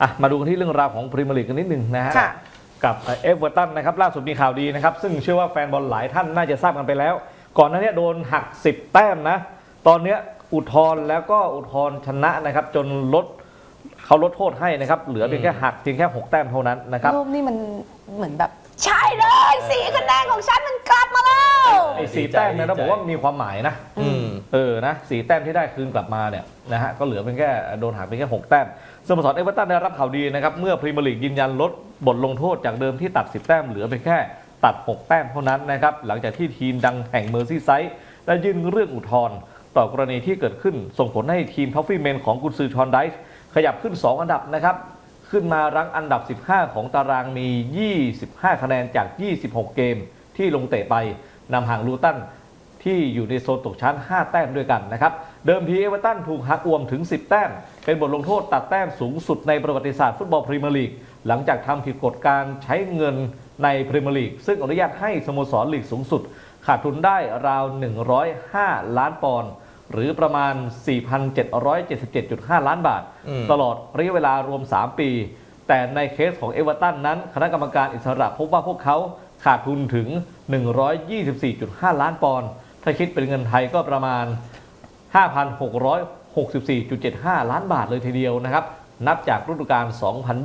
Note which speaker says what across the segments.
Speaker 1: มาดูกันที่เรื่องราวของพรีเมียร์ลีกกันนิดนึงนะฮะกับเอเวอร์ตันนะครับล่าสุดมีข่าวดีนะครับซึ่งเชื่อว่าแฟนบอลหลายท่านน่าจะทราบกันไปแล้วก่อนหน้านี้โดนหัก10แต้มนะตอนนี้อุทธรณ์แล้วก็อุทธรณ์ชนะนะครับจนเขาลดโทษให้นะครับเหลือเพียงแค่หักเพียงแค่6แต้มเท่านั้นนะครับ
Speaker 2: รูปนี่มันเหมือนแบบใช่เลย4 คะแนนของฉันมันกลับมาแล้ว
Speaker 1: ไอ้4แต้มเนี่ยเราบอกว่ามีความหมายนะนะ4แต้มที่ได้คืนกลับมาเนี่ยนะฮะก็เหลือเพียงแค่โดนหักเพียงแค่6แต้มสโมสรเอเวอร์ตันได้รับข่าวดีนะครับเมื่อพรีเมียร์ลีกยืนยันลดบทลงโทษจากเดิมที่ตัด10แต้มเหลือเพียงแค่ตัด6แต้มเท่านั้นนะครับหลังจากที่ทีมดังแห่งเมอร์ซีไซด์ได้ยื่นเรื่องอุทธรณ์ต่อกรณีที่เกิดขึ้นส่งผลให้ทีมท็อฟฟี่เมนของกุนซือชอนไดส์ขยับขึ้น2อันดับนะครับขึ้นมารั้งอันดับ15ของตารางมี25คะแนนจาก26เกมที่ลงเตะไปนำห่างลูตันที่อยู่ในโซนตกชั้น5แต้มด้วยกันนะครับเดิมทีเอเวอร์ตันถูกหักอวมถึง10แต้มเป็นบทลงโทษตัดแต้มสูงสุดในประวัติศาสตร์ฟุตบอลพรีเมียร์ลีกหลังจากทำผิดกฎการใช้เงินในพรีเมียร์ลีกซึ่งอนุญาตให้สโมสรลีกสูงสุดขาดทุนได้ราว105ล้านปอนด์หรือประมาณ 4,777.5 ล้านบาทตลอดระยะเวลารวม3ปีแต่ในเคสของเอเวอร์ตันนั้นคณะกรรมการอิสระพบว่าพวกเขาขาดทุนถึง124.5 ล้านปอนด์ถ้าคิดเป็นเงินไทยก็ประมาณ 5,664.75 ล้านบาทเลยทีเดียวนะครับนับจากฤดูกาล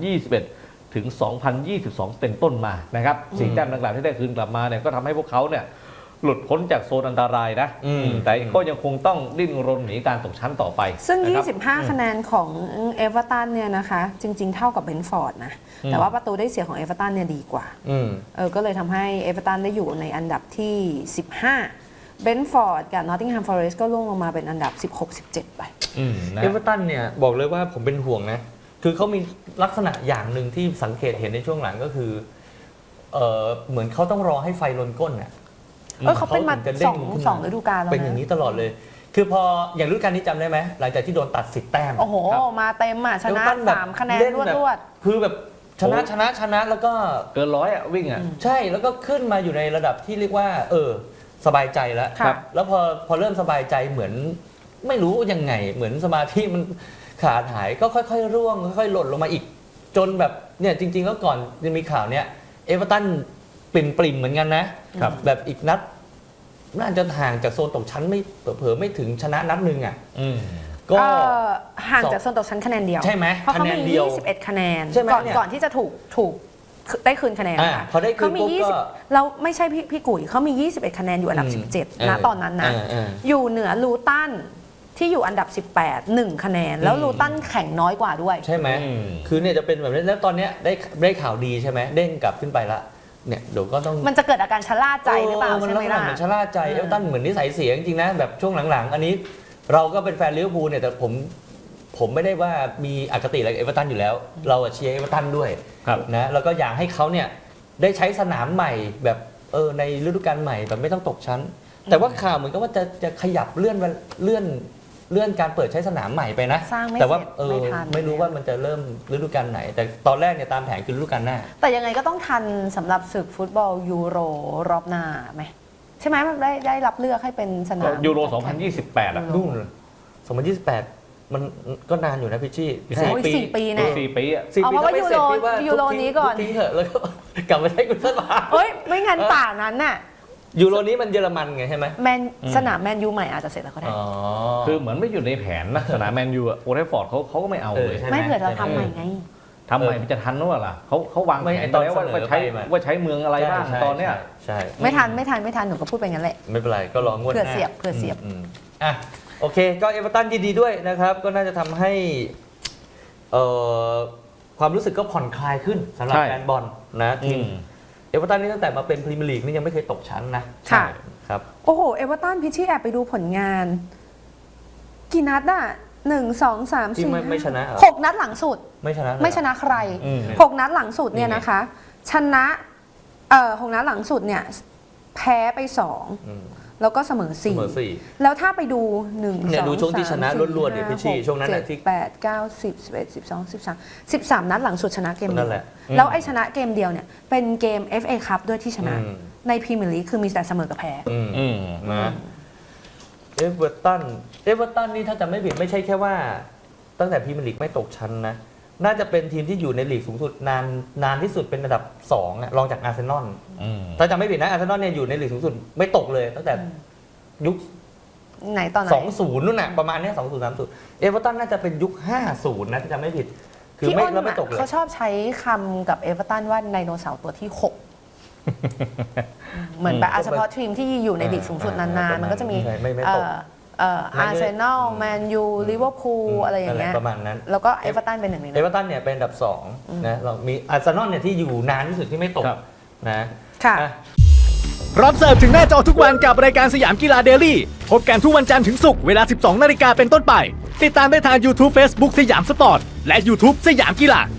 Speaker 1: 2021 ถึง 2022 เป็นต้นมานะครับ4แต้มดังกล่าวที่ได้คืนกลับมาเนี่ยก็ทำให้พวกเขาเนี่ยหลุดพ้นจากโซนอันตรายนะแต่ก็ยังคงต้องดิ้นรนหนีการตกชั้นต่อไป
Speaker 2: ซึ่ง25คะแนนของเอเวอร์ตันเนี่ยนะคะจริงๆเท่ากับเบรนท์ฟอร์ดนะแต่ว่าประตูได้เสียของเอเวอร์ตันเนี่ยดีกว่าก็เลยทำให้เอเวอร์ตันได้อยู่ในอันดับที่15เบรนท์ฟอร์ดกับนอตติงแฮมฟอเรสต์ก็ล่วงลงมาเป็นอันดับ16-17ไป
Speaker 3: เอเวอร์ตันเนี่ยบอกเลยว่าผมเป็นห่วงนะคือเขามีลักษณะอย่างหนึ่งที่สังเกตเห็นในช่วงหลังก็คือเหมือนเขาต้องรอให้ไฟลนก้นน่ะ
Speaker 2: เขาเป็นมาสองฤดูกาลแล้ว
Speaker 3: เป็นอย่างนี้ตลอดเลยคือพออย่างฤดูกาลนี้จำได้ไหมหลังจากที่โดนตัด10แต้ม
Speaker 2: โอ้โหมาเต็มอ่ะชนะ3คะแนนรวด
Speaker 3: คือแบบชนะแล้วก็
Speaker 1: เกิน100อ่ะวิ่งอ่ะ
Speaker 3: ใช่แล้วก็ขึ้นมาอยู่ในระดับที่เรียกว่าสบายใจแล้วแล้วพอเริ่มสบายใจเหมือนไม่รู้ยังไงเหมือนสมาธิมันขาดหายก็ค่อยๆร่วงค่อยๆหล่นลงมาอีกจนแบบเนี่ยจริงๆแล้วก่อนจะมีข่าวเนี่ยเอเวอร์ตันปริ่มเหมือนกันนะแบบอีกนัดน่าจะห่างจากโซนตกชั้นไม่เผลอไม่ถึงชนะนัดนึงอ่ะ
Speaker 2: ก็ห่างจากโซนตกชั้นคะแนนเดียว
Speaker 3: ใช่ไหม
Speaker 2: เพราะเขามี21คะแนนก่อนที่จะถูกได้คืนคะแนนค่ะ
Speaker 3: เขา
Speaker 2: มี20แล้วไม่ใช่พี่กุ๋ยเขามี21คะแนนอยู่อันดับ17ณตอนนั้นนะอยู่เหนือลูตันที่อยู่อันดับ18 1คะแนนแล้วลูตันแข่งน้อยกว่าด้วย
Speaker 3: ใช่ไหมคือเนี่ยจะเป็นแบบนี้แล้วตอนนี้ได้ข่าวดีใช่ไหมเด้งกลับขึ้นไปละเนี่ยเดี๋ยวก็ต้อง
Speaker 2: มันจะเกิดอาการชะล่าใจหรือเปล่าใช่ไหมล่ะ
Speaker 3: มันชะล่าใจเอเวอร์ตันเหมือนนิสัยเสียจริงๆนะแบบช่วงหลังๆอันนี้เราก็เป็นแฟนลิเวอร์พูลเนี่ยแต่ผมไม่ได้ว่ามีอคติอะไรกับเอเวอร์ตันอยู่แล้วเราเชียร์เอเวอร์ตันด้วยนะแล้วก็อยากให้เขาเนี่ยได้ใช้สนามใหม่แบบในฤดูกาลใหม่แบบไม่ต้องตกชั้นแต่ว่าข่าวเหมือนกับว่าจะขยับเลื่อนการเปิดใช้สนามใหม่ไปนะแต่ว่าไม่รู้ว่ามันจะเริ่มฤดูกาลไหนแต่ตอนแรกเนี่ยตามแผนคือฤดูกาลหน้า
Speaker 2: แต่ยังไงก็ต้องทันสำหรับศึกฟุตบอลยูโรรอบหน้าไหมใช่ไหมมันได้รับเลือกให้เป็นสนาม
Speaker 1: ยูโร2028อ่ะ
Speaker 3: นู่น2028มันก็นานอยู่นะพี่ชี่
Speaker 2: 4 ปีนะ
Speaker 1: 4 ปีอ่ะ
Speaker 2: เอาเพราะว่ายูโรนี้ก่อน
Speaker 3: ทิ้งเถอะแล้วก็กลับมาใช้กุนเซอร์บา
Speaker 2: ไม่งั้นป่านั้นน่ะ
Speaker 3: ยูโรนี้มันเยอรมันไงใช่ไหม
Speaker 2: สนามแมนยูใหม่อาจจะเสร็จแล้วก็ได้
Speaker 1: คือเหมือนไม่อยู่ในแผนนะสนามแมนยูโอเทฟฟอร์ดเขาก็ไม่เอาเลย
Speaker 2: ไม่เผื่อเราทำใหม่ไง
Speaker 1: ทำใหม่มันจะทันหรือเปล่าเขาวางแผนตอนนี้ว่าใช้เมืองอะไรบ้างตอนเนี้ย
Speaker 3: ใช่
Speaker 2: ไม่ทันหนูก็พูดไปงั้นแหละ
Speaker 3: ไม่เป็นไรก็รองวดหน้า
Speaker 2: เผื่อเสียบ
Speaker 3: อ่ะโอเคก็เอเวอร์ตันยินดีด้วยนะครับก็น่าจะทำให้ความรู้สึกก็ผ่อนคลายขึ้นสำหรับแฟนบอลนะทีมเอเวอร์ตันนี่ตั้งแต่มาเป็นพรีเมียร์ลีกนี่ยังไม่เคยตกชั้นนะ
Speaker 2: ค่ะ
Speaker 3: ครับ
Speaker 2: โอ้โหเอเวอร์ตันพี่ชี่แอบไปดูผลงานกี่นัดอ่ะ1 2 3 4
Speaker 3: ไม่ชนะ
Speaker 2: 6นัดหลังสุด
Speaker 3: ไม่ช
Speaker 2: นะใคร6นัดหลังสุดเนี่ยนะคะชนะ6นัดหลังสุดเนี่ยแพ้ไป2แล้วก็เสมอ4แล้วถ้าไปดู1 2
Speaker 3: ดูช่วงที่ชนะล้วนๆเนี่ยพี่ชี่ช่วงนั้นที่
Speaker 2: 8 9 10 11 12 13นัดหลังสุดชนะเกมเดียวแล้วไอ้ชนะเกมเดียวเนี่ยเป็นเกม FA คัพด้วยที่ชนะในพรีเมียร์ลีกคือมีแต่เสมอกับแพ้
Speaker 3: นะเอเวอร์ตันนี่ถ้าจำไม่ผิดไม่ใช่แค่ว่าตั้งแต่พรีเมียร์ลีกไม่ตกชั้นนะน่าจะเป็นทีมที่อยู่ในลีกสูงสุดนานที่สุดเป็นอันดับ2อะรองจากอาร์เซนอลถ้าจำไม่ผิดนะอาร์เซนอลเนี่ยอยู่ในลีกสูงสุดไม่ตกเลยตั้งแต่ยุค
Speaker 2: ไหนตอนไหน
Speaker 3: 20นู่นน่ะประมาณเนี้ย20 30เอเวอร์ตันน่าจะเป็นยุค50นะถ้าจำไม่ผิดคือ
Speaker 2: พี่
Speaker 3: ไม่
Speaker 2: อ้น
Speaker 3: แล้วไม่
Speaker 2: อะ
Speaker 3: ตกเลย
Speaker 2: เขาชอบใช้คำกับเอเวอร์ตันว่าไดโนเสาร์ตัวที่ 6 เหมือนแบบเฉพาะทีมที่อยู่ในลีกสูงสุดนานๆ มันก็จะมี
Speaker 3: ไม่ตก
Speaker 2: อาร์เซนอลแมนยูลิเวอร์พูลอะไรอย่างเงี้ย
Speaker 3: ประมาณนั้น
Speaker 2: แล้วก็เอเวอร์ตันเป็นหนึ่งใน
Speaker 3: เอ
Speaker 2: นั้น
Speaker 3: เวอร์ตันเนี่ยเป็นอันดับ2นะเรามีอาร์เซนอลเนี่ยที่อยู่นานที่สุดที่ไม่ตก
Speaker 1: ครับ
Speaker 3: นะ
Speaker 2: ค่ะ
Speaker 3: อ่ะ
Speaker 4: พร้อมเสิร์ฟถึงหน้าจอทุกวันกับรายการสยามกีฬาเดลี่พบกันทุกวันจันทร์ถึงศุกร์เวลา 12 นาฬิกาเป็นต้นไป ติดตามได้ทาง YouTube Facebook สยามสปอร์ต และ YouTube สยามกีฬา